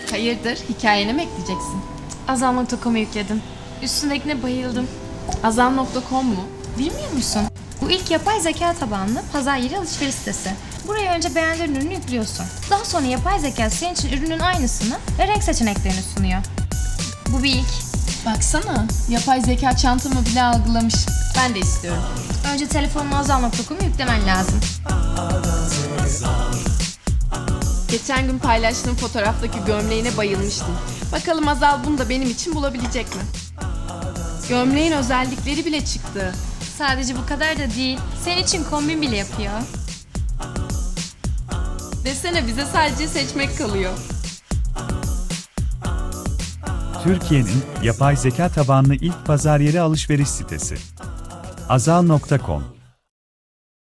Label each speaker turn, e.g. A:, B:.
A: Hayırdır, hikayene mi ekleyeceksin?
B: Azal.com'u yükledim. Üstündekine bayıldım.
A: Azam.com mu?
B: Bilmiyor musun? Bu ilk yapay zeka tabanlı pazar yeri alışveriş sitesi. Buraya önce beğendiğin ürünü yüklüyorsun. Daha sonra yapay zeka senin için ürünün aynısını ve renk seçeneklerini sunuyor. Bu bir ilk.
A: Baksana, yapay zeka çantamı bile algılamış. Ben de istiyorum.
B: Önce telefonuna Azal.com'u yüklemen lazım.
A: Geçen gün paylaştığım fotoğraftaki gömleğine bayılmıştım. Bakalım Azal bunu da benim için bulabilecek mi? Gömleğin özellikleri bile çıktı.
B: Sadece bu kadar da değil. Senin için kombin bile yapıyor.
A: Desene bize sadece seçmek kalıyor.
C: Türkiye'nin yapay zeka tabanlı ilk pazar yeri alışveriş sitesi. Azal.com